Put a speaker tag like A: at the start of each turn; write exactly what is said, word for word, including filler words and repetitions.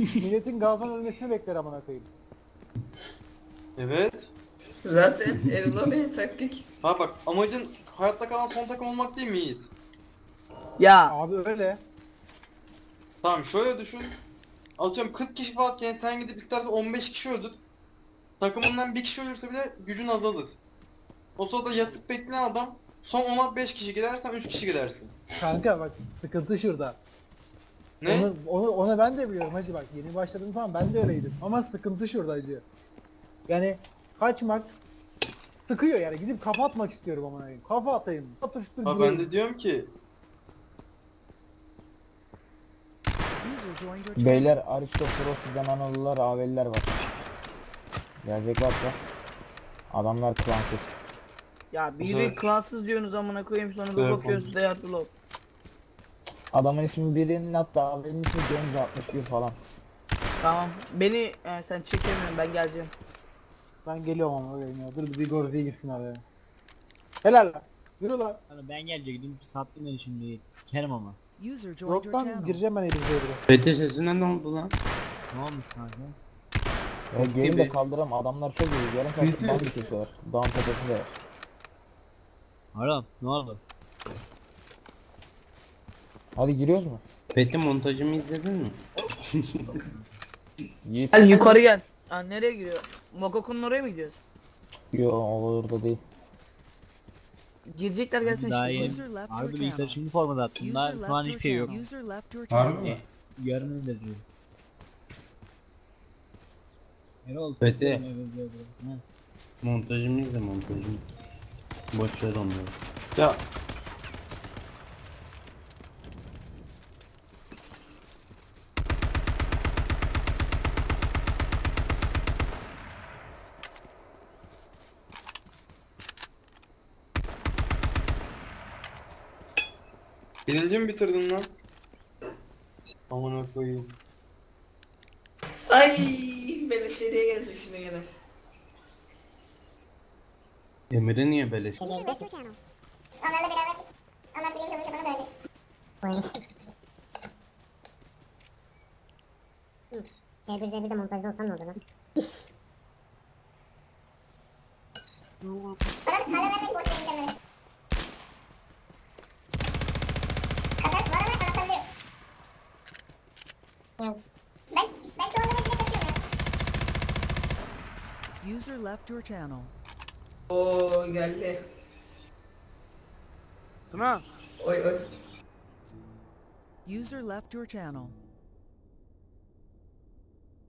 A: Milletin gazdan ölmesini bekler amına koyayım.
B: Evet.
C: Zaten Erol'a beni taktik.
B: Ha bak, amacın hayatta kalan son takım olmak değil mi Yiğit?
D: Ya
A: Abi öyle.
B: Tamam şöyle düşün. Atıyorum kırk kişi falanken sen gidip istersen on beş kişi öldür. Takımından bir kişi ölürse bile gücün azalır. O sırada yatıp bekleyen adam son ona beş kişi gidersen üç kişi gidersin.
A: Kanka bak sıkıntı şurada.
B: Ne?
A: Onu, onu, onu ben de biliyorum hacı bak yeni başladım falan ben de öyleydim. Ama sıkıntı şurada hacı. Yani kaçmak sıkıyor yani gidip kafa atmak istiyorum amına koyayım. Kafa atayım. Atıştır
B: Ha ben de diyorum ki
E: Beyler Aristoteles sizden Anadolular, Aveliler var. Gelecek varsa. Adamlar klansız.
D: ya biri
B: Güzel.
D: klansız diyorsunuz amına koyayım sonra bir
B: Güzel
D: bakıyorsunuz they are below.
E: Adamın ismi birinin hatta Aveli'nin ismi Genzo altmış bir falan.
D: Tamam beni e, sen çekemiyorsun ben geleceğim.
A: Ben geliyorum ama öyleyim ya. Dur bir Gorzi'ye girsin araya. Helal lan. Yürü lan.
F: Hani ben gelecektim sattım beni şimdi sikerim ama.
G: User joined
A: Yok
G: your
A: lan
G: channel.
A: gireceğim ben Elif'e bile.
H: Bete sesine ne oldu lan?
F: Ne olmuş kanka?
E: Ya geri de
H: gibi.
E: kaldıram adamlar çok iyi. Yarım saat ban bir kesiyorlar. Dağın tepesinde var.
F: Haram ne oldu?
E: Hadi giriyoruz mu?
H: Bete montajımı izledin mi?
E: Yiğit.
D: Gel yukarı gel. Ha nereye giriyor? Mokoko'nun oraya mı gidiyoruz?
E: Yo orada değil.
D: Girecekler gelsin
F: Daha
D: işte.
F: yeni.
G: User left
F: Abi
G: your
F: bilgisayar
G: channel.
F: şimdi formada attım.
G: User
F: Daha
G: left
F: şu an
G: your
F: hiçbir şey yok.
G: channel. User left your
B: harbi
G: channel.
B: mi?
F: Yarın öyle diyor. Erol.
H: Bete.
F: Evet, evet, evet.
H: Montajımı izle montajımı. Boş ver onları.
B: ya birinci mi bitirdin lan? Amına koyayım.
C: Ay beni seriye gelecek şimdi gene.
H: Emir'e niye beleş?
I: Onlarla beraber onlar birinci olunca bana dönecek. Hı. C bir C bir de montajda olsam ne olur lan? Bana hala vermek boş verin kendini. Kasar var ama anahtarlı yok. Ben, ben çoğunluğunu bile kaçıyorum ya.
G: User left your channel.
C: Oo geldi.
D: Tamam.
C: Oy oy.
G: User left your channel.